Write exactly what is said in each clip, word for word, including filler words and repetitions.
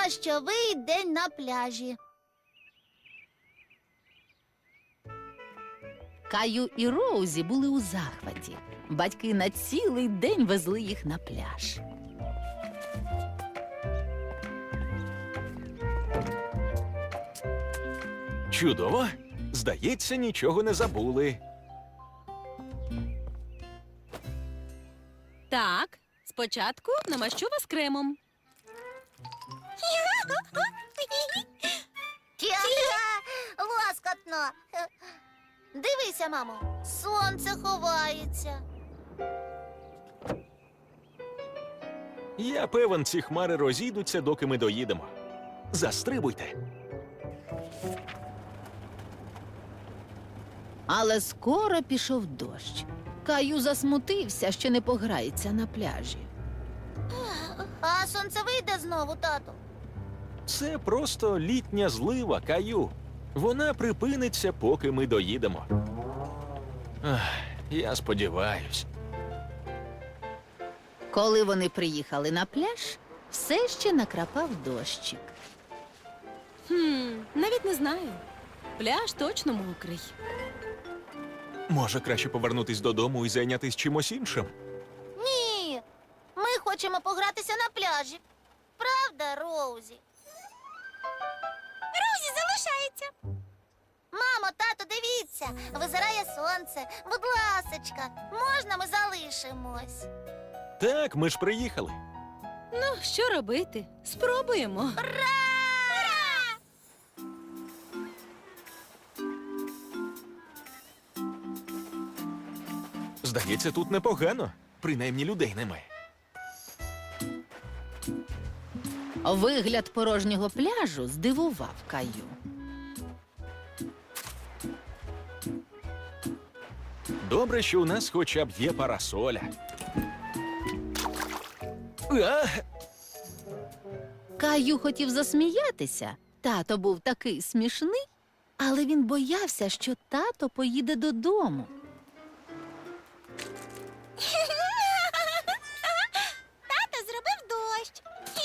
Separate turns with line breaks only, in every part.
Дощовий день на пляжі.
Каю і Роузі були у захваті. Батьки на цілий день везли їх на пляж.
Чудово. Здається, нічого не забули.
Так, спочатку намащу вас кремом.
Тя-тя, лоскотно. Дивися, мамо, сонце ховається.
Я певен, ці хмари розійдуться, доки ми доїдемо. Застрибуйте.
Але скоро пішов дощ. Каю засмутився, що не пограється на пляжі.
А сонце вийде знову, тату?
Це просто літня злива, Каю. Вона припиниться, поки ми доїдемо. Ах, я сподіваюсь.
Коли вони приїхали на пляж, все ще накрапав дощик.
Хм, навіть не знаю. Пляж точно мокрий.
Може, краще повернутись додому і зайнятись чимось іншим?
Ні, ми хочемо погратися на пляжі. Правда, Роузі? Роузі залишається. Мамо, тато, дивіться, визирає сонце. Будь ласочка, можна ми залишимось?
Так, ми ж приїхали.
Ну, що робити? Спробуємо.
Здається, тут непогано. Принаймні людей немає.
Вигляд порожнього пляжу здивував Каю.
Добре, що у нас хоча б є парасоля. А!
Каю хотів засміятися. Тато був такий смішний, але він боявся, що тато поїде додому.
Тато зробив дощ.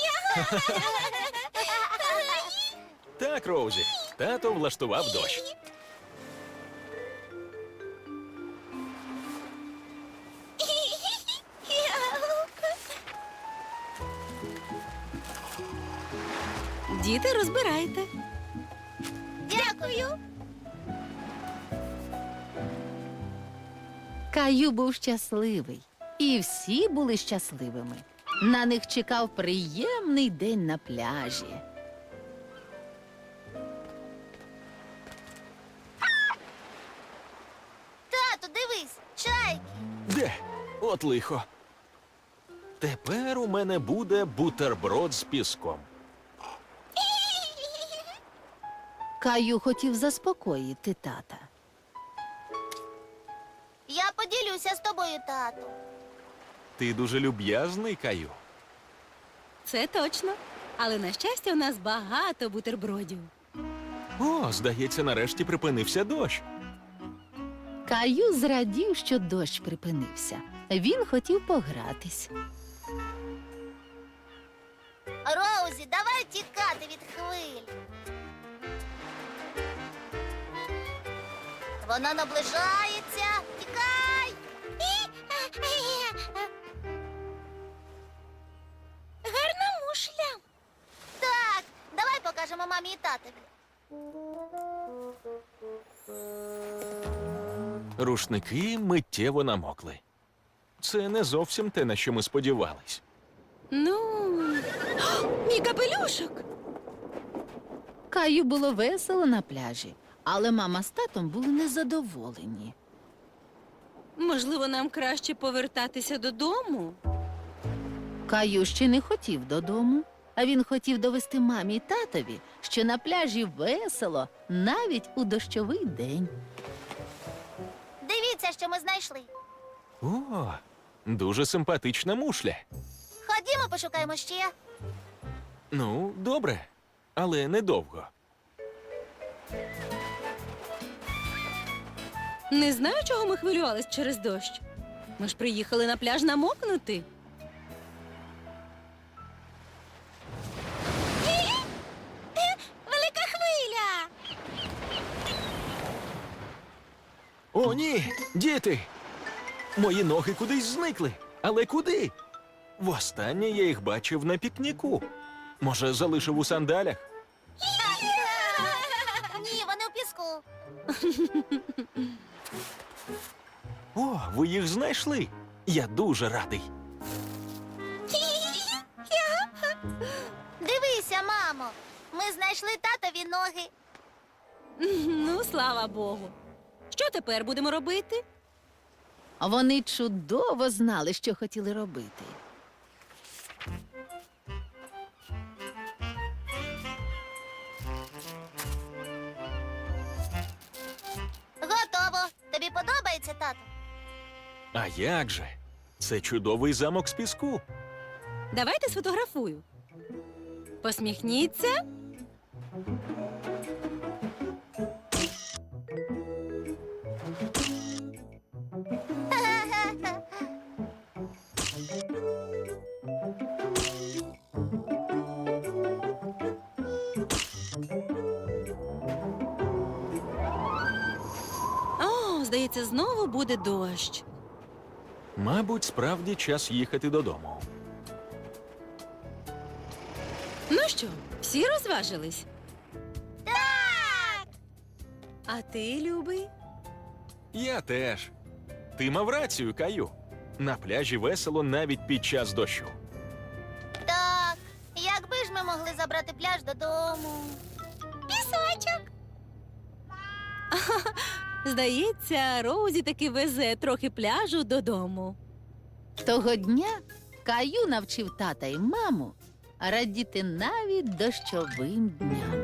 Так, Роузі, тато влаштував дощ.
Діти, розбирайте.
Дякую.
Каю був щасливий. І всі були щасливими. На них чекав приємний день на пляжі.
Тату, дивись, чайки.
Де? От лихо. Тепер у мене буде бутерброд з піском.
Каю хотів заспокоїти тата.
Я поділюся з тобою, тату.
Ти дуже люб'язний, Каю.
Це точно. Але, на щастя, у нас багато бутербродів.
О, здається, нарешті припинився дощ.
Каю зрадів, що дощ припинився. Він хотів погратись.
Роузі, давай тікати від хвиль. Вона наближається. Тікай! Гарна мушля. Так, давай покажемо мамі і татові.
Рушники миттєво намокли. Це не зовсім те, на що ми сподівались.
Ну, О, мій капелюшок!
Каю було весело на пляжі, але мама з татом були незадоволені.
Можливо, нам краще повертатися додому?
Каю ще не хотів додому, а він хотів довести мамі й татові, що на пляжі весело навіть у дощовий день.
Дивіться, що ми знайшли.
О, дуже симпатична мушля.
Ходімо, пошукаємо ще.
Ну, добре, але недовго.
Не знаю, чого ми хвилювались через дощ. Ми ж приїхали на пляж намокнути.
О, ні, діти! Мої ноги кудись зникли. Але куди? Востаннє я їх бачив на пікніку. Може, залишив у сандалях?
Ні, вони у піску.
О, ви їх знайшли. Я дуже радий.
Дивися, мамо. Ми знайшли татові ноги.
Ну, слава Богу. Що тепер будемо робити?
Вони чудово знали, що хотіли робити.
Готово. Тобі подобається, тато?
А як же? Це чудовий замок з піску.
Давайте сфотографую. Посміхніться. О, здається, знову буде дощ.
Мабуть, справді час їхати додому.
Ну що, всі розважились?
Так!
А ти, любий?
Я теж. Ти мав рацію, Каю. На пляжі весело навіть під час дощу.
Так. Якби ж ми могли забрати пляж додому. Пісочок.
Здається, Роузі таки везе трохи пляжу додому.
Того дня Каю навчив тата і маму радіти навіть дощовим дням.